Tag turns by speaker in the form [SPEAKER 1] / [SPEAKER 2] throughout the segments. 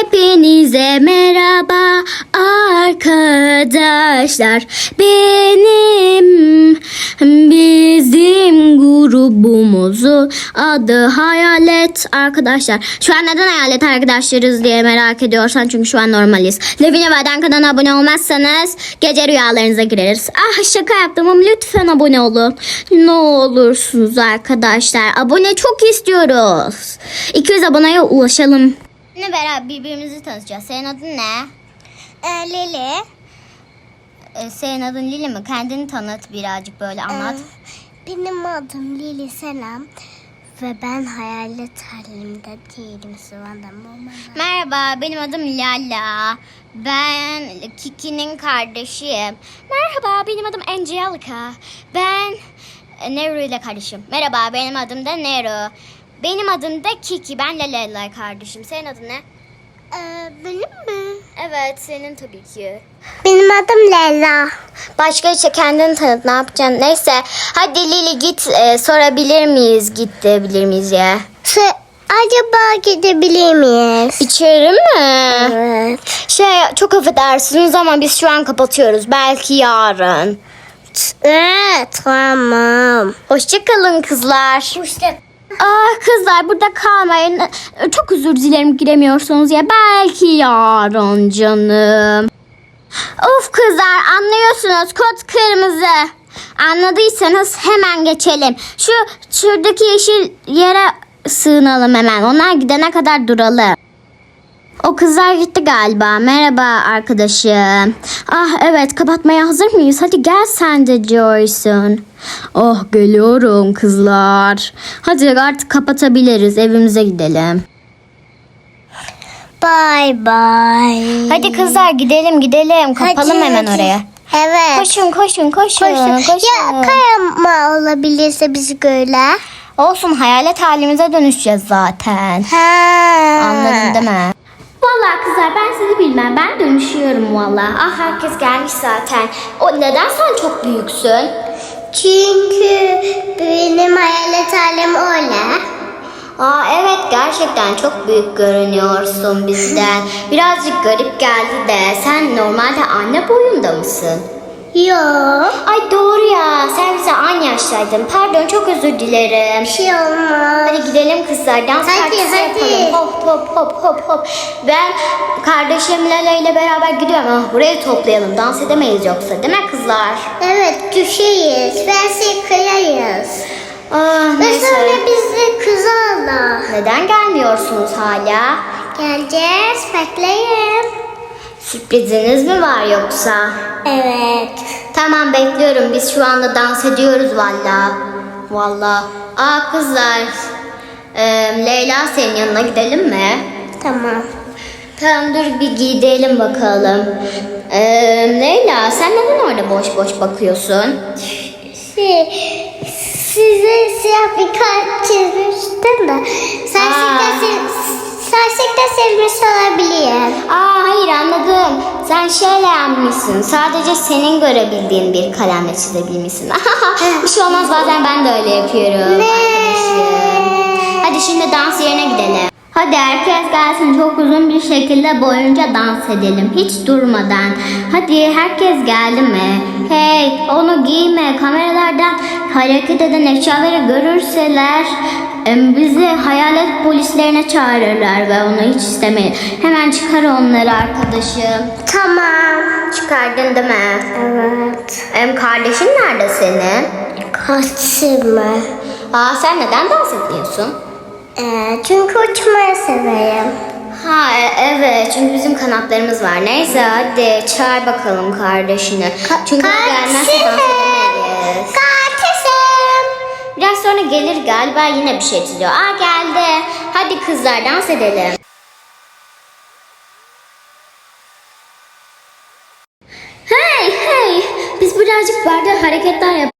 [SPEAKER 1] Hepinize merhaba arkadaşlar. Bizim grubumuzu adı Hayalet arkadaşlar. Şu an neden Hayalet arkadaşlarız diye merak ediyorsan, çünkü şu an normaliz. Levine Vaden kanalına abone olmazsanız gece rüyalarınıza gireriz. Ah, şaka yaptım ama lütfen abone olun. Ne olursunuz arkadaşlar. Abone çok istiyoruz. 200 aboneye ulaşalım. Ne beraber birbirimizi tanıtacağız. Senin adın ne?
[SPEAKER 2] Lili.
[SPEAKER 1] Senin adın Lili mi? Kendini tanıt, birazcık böyle anlat.
[SPEAKER 2] Benim adım Lili Selam. Ve ben hayalet halimde değilim.
[SPEAKER 1] Merhaba, benim adım Lala. Ben Kiki'nin kardeşiyim. Merhaba, benim adım Angelica. Ben Nero ile kardeşim. Merhaba, benim adım da Nero. Benim adım da Kiki. Ben Lala ile kardeşim. Senin adın ne?
[SPEAKER 2] Benim mi?
[SPEAKER 1] Evet, senin tabii ki.
[SPEAKER 2] Benim adım Leyla.
[SPEAKER 1] Başka işte kendini tanıt, ne yapacaksın? Neyse, hadi Lili git, sorabilir miyiz? Git diyebilir miyiz ya?
[SPEAKER 2] Acaba gidebilir miyiz?
[SPEAKER 1] İçeri mi?
[SPEAKER 2] Evet.
[SPEAKER 1] Çok affedersiniz ama biz şu an kapatıyoruz. Belki yarın.
[SPEAKER 2] Evet, tamam.
[SPEAKER 1] Hoşçakalın kızlar.
[SPEAKER 2] İşte.
[SPEAKER 1] Kızlar, burada kalmayın. Çok özür dilerim giremiyorsunuz ya. Belki yarın canım. Of kızlar, anlıyorsunuz, kod kırmızı. Anladıysanız hemen geçelim. Şuradaki yeşil yere sığınalım hemen. Onlar gidene kadar duralım. O kızlar gitti galiba. Merhaba arkadaşım. Evet, kapatmaya hazır mıyız? Hadi gel sen de Joyson. Oh, geliyorum kızlar. Hadi artık kapatabiliriz. Evimize gidelim.
[SPEAKER 2] Bye bye.
[SPEAKER 1] Hadi kızlar, gidelim. Kapalım hemen oraya.
[SPEAKER 2] Evet.
[SPEAKER 1] Koşun.
[SPEAKER 2] Ya kayama olabilirse bizi göre.
[SPEAKER 1] Olsun, hayalet halimize dönüşeceğiz zaten. Anladın değil mi? Vallahi kızlar, ben sizi bilmem. Ben dönüşüyorum vallahi. Herkes gelmiş zaten. Neden sen çok büyüksün?
[SPEAKER 2] Çünkü benim hayalet halim öyle.
[SPEAKER 1] Evet, gerçekten çok büyük görünüyorsun bizden. Birazcık garip geldi de, sen normalde anne boyunda mısın?
[SPEAKER 2] Yok.
[SPEAKER 1] Ay doğru ya, sen bize aynı yaştaydın. Pardon, çok özür dilerim.
[SPEAKER 2] Bir şey olmaz.
[SPEAKER 1] Hadi gidelim kızlar, dans partisi yapalım. Hop. Ben kardeşim Lala ile beraber gidiyorum ama burayı toplayalım. Dans edemeyiz yoksa, değil mi kızlar?
[SPEAKER 2] Evet, düşeyiz. Verse kırarız. Ve
[SPEAKER 1] Neyse.
[SPEAKER 2] sonra bizi kızarlar.
[SPEAKER 1] Neden gelmiyorsunuz hala?
[SPEAKER 2] Geleceğiz, bekleyin.
[SPEAKER 1] Sürpriziniz mi var yoksa?
[SPEAKER 2] Evet.
[SPEAKER 1] Tamam, bekliyorum. Biz şu anda dans ediyoruz valla. Kızlar. Leyla, senin yanına gidelim mi?
[SPEAKER 2] Tamam.
[SPEAKER 1] Tamam, dur bir gidelim bakalım. Leyla, sen neden orada boş bakıyorsun?
[SPEAKER 2] Size siyah bir kart çizmiştim de. Sersekte silmiş olabilir.
[SPEAKER 1] Hayır, anladım. Sen şöyle yapmışsın. Sadece senin görebildiğin bir kalemle çizebilmişsin. Bir şey olmaz, bazen ben de öyle yapıyorum. Arkadaşım. Hadi şimdi dans yerine gidelim. Hadi herkes gelsin, çok uzun bir şekilde boyunca dans edelim. Hiç durmadan. Hadi herkes geldi mi? Hey, onu giyme. Kameralardan hareket eden eşyaları görürseler bizi hayalet polislerine çağırırlar ve onu hiç istemeyin. Hemen çıkar onları arkadaşım.
[SPEAKER 2] Tamam.
[SPEAKER 1] Çıkardın değil mi?
[SPEAKER 2] Evet.
[SPEAKER 1] Kardeşin nerede senin?
[SPEAKER 2] Kaçırma.
[SPEAKER 1] Sen neden dans etmiyorsun?
[SPEAKER 2] Çünkü uçmayı severim.
[SPEAKER 1] Evet, çünkü bizim kanatlarımız var. Neyse, hadi çağır bakalım kardeşini. Çünkü o gelmezse dans edemeyiz.
[SPEAKER 2] Kardeşim.
[SPEAKER 1] Biraz sonra gelir galiba, yine bir şey çiziyor. Geldi. Hadi kızlar, dans edelim. Hey. Biz birazcık barda hareketler yapacağız.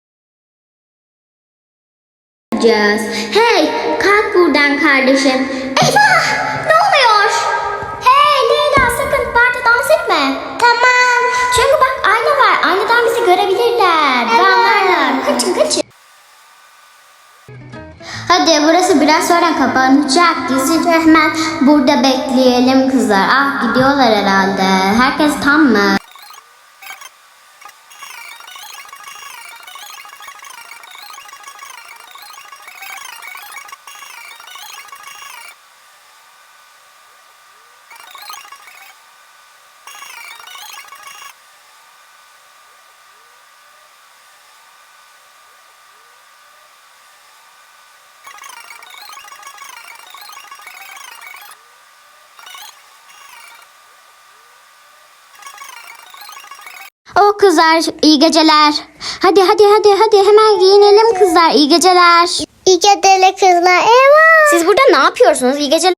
[SPEAKER 1] Hey, kalk buradan kardeşim. Eyvah! Ne oluyor? Hey Leyla, sakın barda dans etme.
[SPEAKER 2] Tamam.
[SPEAKER 1] Çünkü bak, ayna var. Aynadan bizi görebilirler.
[SPEAKER 2] Evet.
[SPEAKER 1] Anlarlar. Kaçın. Hadi burası biraz sonra kapanacak. Gizlice hemen burada bekleyelim kızlar. Ah gidiyorlar herhalde. Herkes tam mı? Oh kızlar iyi geceler. Hadi hemen giyinelim kızlar. İyi geceler.
[SPEAKER 2] İyi geceler kızlar. Eyvah.
[SPEAKER 1] Siz burada ne yapıyorsunuz? İyi geceler.